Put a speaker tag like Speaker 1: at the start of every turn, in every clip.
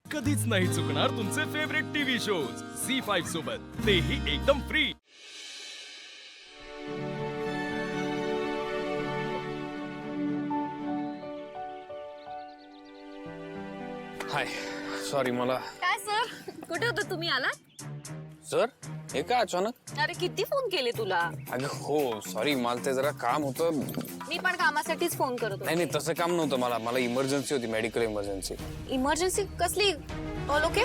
Speaker 1: कधीच नाही चुकणार तुमचे फेवरेट टीव्ही शोज झी5 सोबत, तेही एकदम फ्री।
Speaker 2: हाय, सॉरी मला।
Speaker 3: काय सर, कुठे होते तुम्ही? आलात?
Speaker 2: सर, हे काय अचानक?
Speaker 3: अरे किती फोन केले तुला?
Speaker 2: अगं हो, सॉरी, मला ते जरा काम होतं।
Speaker 3: मी पण कामासाठीच फोन करत होते।
Speaker 2: नाही तसं काम नव्हतं, मला इमर्जन्सी होती, मेडिकल इमर्जन्सी।
Speaker 3: इमर्जन्सी कसली? All okay?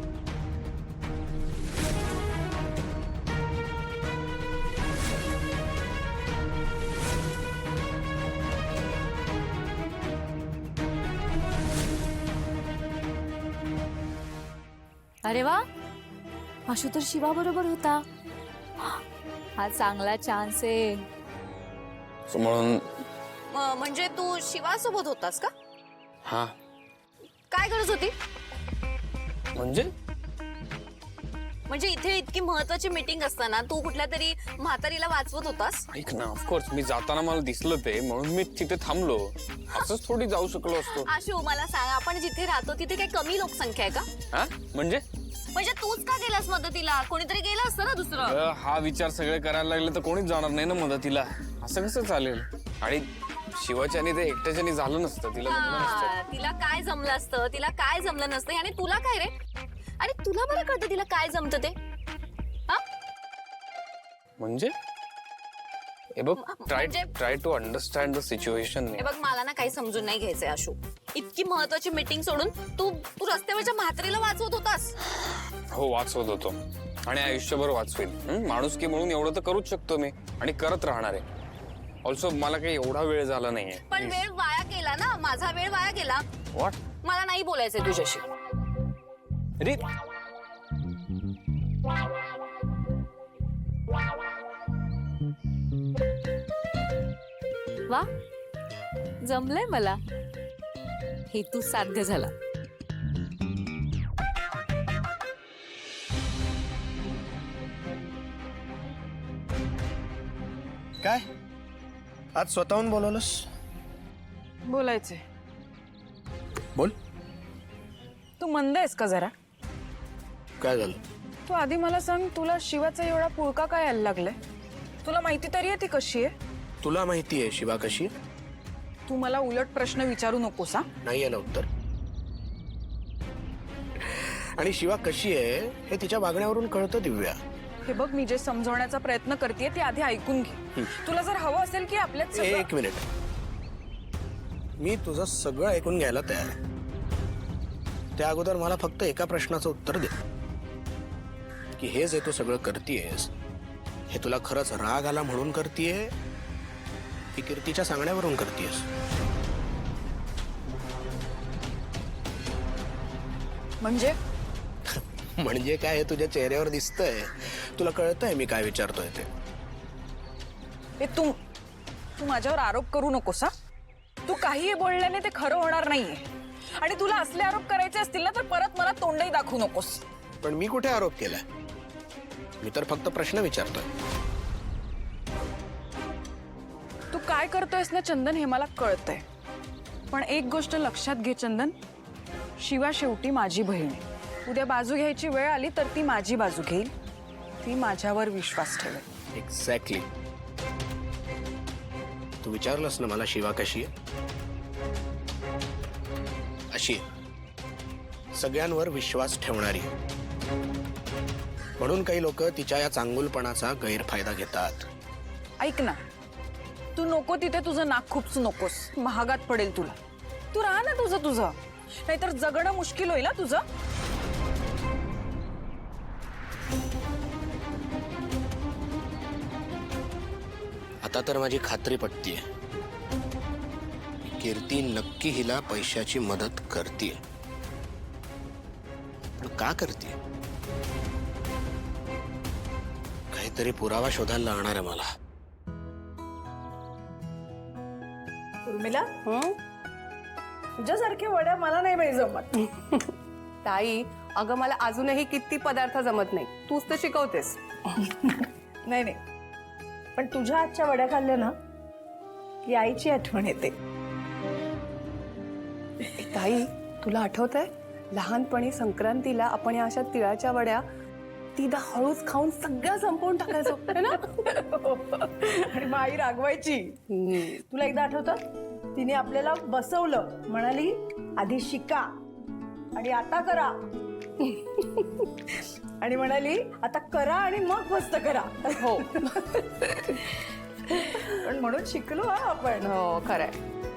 Speaker 3: अरे वा, आशू तर शिवा बरोबर होता। हा चांगला चान्स आहे।
Speaker 2: म्हणून
Speaker 3: म्हणजे तू शिवा सोबत होतास का?
Speaker 2: हा,
Speaker 3: काय गरज होती?
Speaker 2: म्हणजे
Speaker 3: इथे इतकी महत्वाची मीटिंग असताना तू कुठल्या तरी म्हातारीला वाचवत होतास?
Speaker 2: ऐक ना, ऑफकोर्स मी जाताना मला दिसलं ते, म्हणून मी तिथे थांबलो। असंच थोडी जाऊ शकलो असतो।
Speaker 3: आशू मला सांग, आपण जिथे राहतो तिथे काही कमी लोकसंख्या आहे का?
Speaker 2: हा म्हणजे
Speaker 3: तूच का गेलास मदतीला? कोणीतरी गेलं असतं ना दुसरं।
Speaker 2: हा विचार सगळे करायला लागले तर कोणीच जाणार नाही ना मदतीला। असं कसं चालेल? आणि शिवाच्याने ते एकट्याच्याने झालं नसतं, तिला जमलं नसतं।
Speaker 3: तिला काय जमलं असतं, तिला काय जमलं नसतं, आणि तुला काय रे? आणि तुला बरं कळतं तिला काय जमतं ते?
Speaker 2: म्हणजे हे बघ, try to understand the situation.
Speaker 3: हे बघ, मला ना काही समजून नाही घ्यायचंय आशू। इतकी महत्वाची मीटिंग सोडून तू रस्त्यावरच्या म्हातारीला वाचवत होतास।
Speaker 2: हो, वाचवत होतो आणि आयुष्यभर वाचवेन। माणुसकी म्हणून एवढं तर करूच शकतो मी, आणि करत राहणार आहे। ऑल्सो मला काही एवढा वेळ झाला नाहीये।
Speaker 3: पण वेळ वाया गेला ना, माझा वेळ वाया गेला।
Speaker 2: व्हॉट?
Speaker 3: मला नाही बोलायचंय तुझ्याशी।
Speaker 2: अरे
Speaker 3: वा, जमलंय मला, हेतू साध्य झाला।
Speaker 4: काय आज स्वतःहून बोलवलंस?
Speaker 5: बोलायचंय।
Speaker 4: बोल,
Speaker 5: तू मंद आहेस का जरा?
Speaker 4: काय झालं?
Speaker 5: तू आधी मला सांग, तुला शिवाचा एवढा पुळका काय यायला लागलाय? तुला माहिती तरी आहे ती कशी आहे?
Speaker 4: तुला माहिती आहे शिवा कशी आहे?
Speaker 5: तू मला उलट प्रश्न विचारू नकोस हा।
Speaker 4: नाही आहे ना उत्तर। आणि शिवा कशी आहे हे तिच्या वागण्यावरून कळतं दिव्या।
Speaker 5: हे बघ, मी जे समजवण्याचा प्रयत्न करतेय ते आधी ऐकून घे। तुला जर हवं असेल की आपल्यात सगळं-
Speaker 4: एक मिनिट, मी तुझं सगळं ऐकून घ्यायला तयार आहे। त्या अगोदर मला फक्त एका प्रश्नाचं उत्तर दे की हे जे तू सगळं करतेयस हे तुला खरंच राग आला म्हणून करतेय की कीर्तीच्या सांगण्यावरून करतेयस?
Speaker 5: म्हणजे
Speaker 4: म्हणजे काय हे तुझ्या चेहऱ्यावर दिसतंय, तुला कळतंय मी काय विचारतोय ते?
Speaker 5: हे तू माझ्यावर आरोप करू नकोस हा। तू काहीही बोलल्याने ते खरं होणार नाहीये, आणि तुला असले आरोप करायचे असतील ना तर परत मला तोंडही दाखवू नकोस।
Speaker 4: पण मी कुठे आरोप केलाय? मी तर फक्त प्रश्न विचारतोय।
Speaker 5: तू काय करतोयस ना चंदन हे मला कळतंय, पण एक गोष्ट लक्षात घे चंदन, शिवा शेवटी माझी बहीण आहे। उद्या बाजू घ्यायची वेळ आली तर ती माझी बाजू घेईल, ती माझ्यावर विश्वास ठेवेल।
Speaker 4: एक्झॅक्टली। तू विचारलंस ना मला शिवा कशी आहे? अशी आहे, सगळ्यांवर विश्वास ठेवणारी। म्हणून काही लोक तिच्या या चांगुलपणाचा गैरफायदा घेतात।
Speaker 5: ऐक ना, तू नको तिथे तुझं नाक खुपसू नकोस, महागात पडेल तुला। तू राहा ना तुझं, नाहीतर जगणं मुश्किल होईल ना तुझं।
Speaker 4: आता तर माझी खात्री पटतीये, कीर्ती नक्की हिला पैशाची मदत करतीये। पण का करतीये? काहीतरी पुरावा शोधायला लागणार आहे मला।
Speaker 6: उर्मिला, तुझ्यासारख्या वड्या मला नाही बाई जमत।
Speaker 7: ताई, अगं मला अजूनही किती पदार्थ जमत नाही, तूच तर शिकवतेस।
Speaker 6: नाही नाही, पण तुझ्या आजच्या वड्या खाल्ल्या ना की आईची आठवण येते।
Speaker 7: ताई, तुला आठवतंय लहानपणी संक्रांतीला आपण या अशा तिळाच्या वड्या तीदा हळूच खाऊन सगळ्या संपवून टाकायचो है ना?
Speaker 6: आणि मग आई रागवायची. तुला एकदा आठवतं, तिने आपल्याला बसवलं, म्हणाली आधी शिका आणि आता करा. आणि म्हणाली आता करा आणि मग मस्त करा.
Speaker 7: हो
Speaker 6: पण म्हणून शिकलो हा आपण.
Speaker 7: हो खरंय.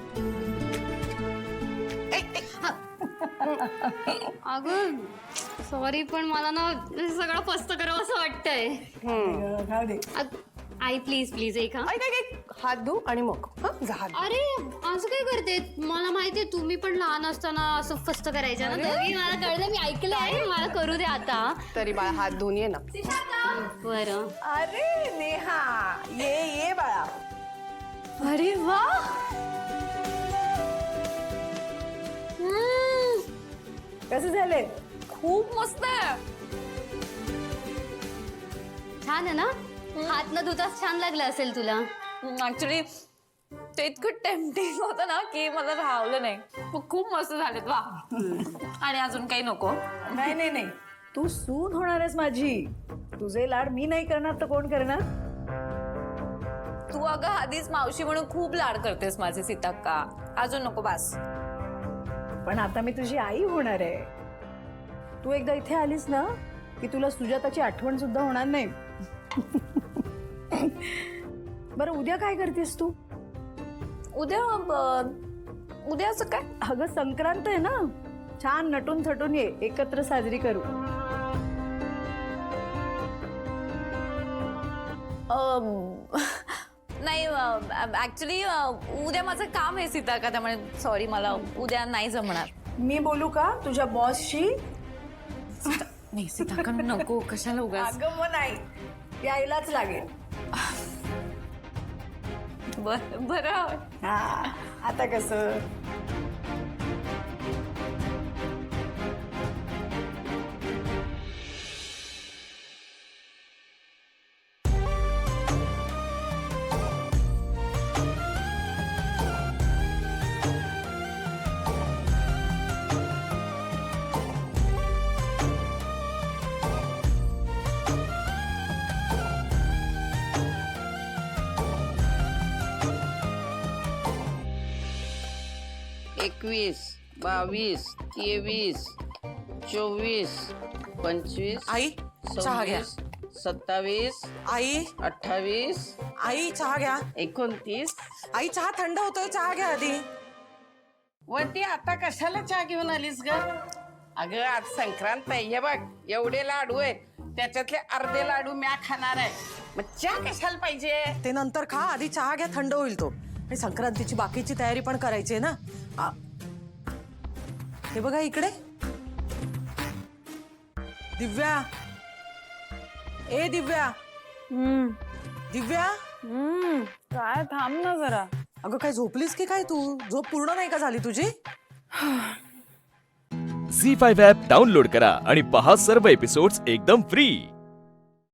Speaker 3: अगं सॉरी, पण मला ना सगळं फस्त करावं असं वाटतंय.
Speaker 6: खाऊ दे.
Speaker 3: आई प्लीज प्लीज एक हा.
Speaker 7: ऐक ऐक ऐक, हात धु आणि मग जा हात धु.
Speaker 3: अरे असं काय करते? मला माहितीये तुम्ही पण लहान असताना असं फस्त करायचं ना. तरी मला कळलं, मी ऐकलं आहे. मला करू दे आता.
Speaker 7: तरी बाळा हात धुवून ये ना.
Speaker 3: बरं.
Speaker 6: अरे नेहा, ये ये बाळा.
Speaker 3: अरे वा.
Speaker 6: कसे झाले?
Speaker 3: खूप मस्त आहे. छान आहे ना? हात न धुताच छान लागलं असेल तुला.
Speaker 8: ऍक्च्युली ते इतकं टेम्पटिंग होतं ना की मला राहवलं नाही. खूप मस्त झालेत वा. आणि अजून काही नको?
Speaker 6: नाही नाही नाही, तू सून होणार आहेस माझी. तुझे लाड मी नाही करणार तर कोण करणार?
Speaker 8: तू अगं आधीच मावशी म्हणून खूप लाड करतेस माझे सीताक्का. अजून नको बस.
Speaker 6: पण आता मी तुझी आई होणार आहे. तू एकदा इथे आलीस ना की तुला सुजाताची आठवण सुद्धा होणार नाही. बरं उद्या काय करतेस तू?
Speaker 8: उद्या असं काय?
Speaker 6: अगं संक्रांत आहे ना, छान नटून थटून ये, एकत्र साजरी करू.
Speaker 8: नाही ऍक्च्युली उद्या माझं काम आहे सीताक्का, त्यामुळे सॉरी मला उद्या नाही जमणार.
Speaker 6: मी बोलू का तुझ्या बॉसशी?
Speaker 8: नाही सीताक्का नको, कशाला उगाच.
Speaker 6: अगं मग नाही, यायलाच लागेल.
Speaker 8: बरं.
Speaker 6: हा आता कसं?
Speaker 9: एकवीस, 22, 23, 24, 25,
Speaker 10: आई चहा घ्या.
Speaker 9: 27,
Speaker 10: आई
Speaker 9: 28,
Speaker 10: आई चहा घ्या.
Speaker 9: 29.
Speaker 10: आई चहा थंड होतोय, चहा घ्या आधी.
Speaker 9: वरती आता कशाला चहा घेऊन आलीस ग? अगं आज संक्रांत आहे, हे बघ एवढे लाडू आहेत, त्याच्यातले अर्धे लाडू म्या खाणार आहे. मग चहा कशाला पाहिजे?
Speaker 10: ते नंतर खा, आधी चहा घ्या, थंड होईल तो. आणि संक्रांतीची बाकीची तयारी पण करायची आहे ना. हे बघा इकडे दिव्या. ए दिव्या. दिव्या
Speaker 5: काय थांब ना जरा.
Speaker 10: अगं काय झोपलीस की काय तू? झोप पूर्ण नाही का झाली तुझी?
Speaker 1: झी 5 ॲप डाउनलोड करा आणि पहा सर्व एपिसोड्स एकदम फ्री.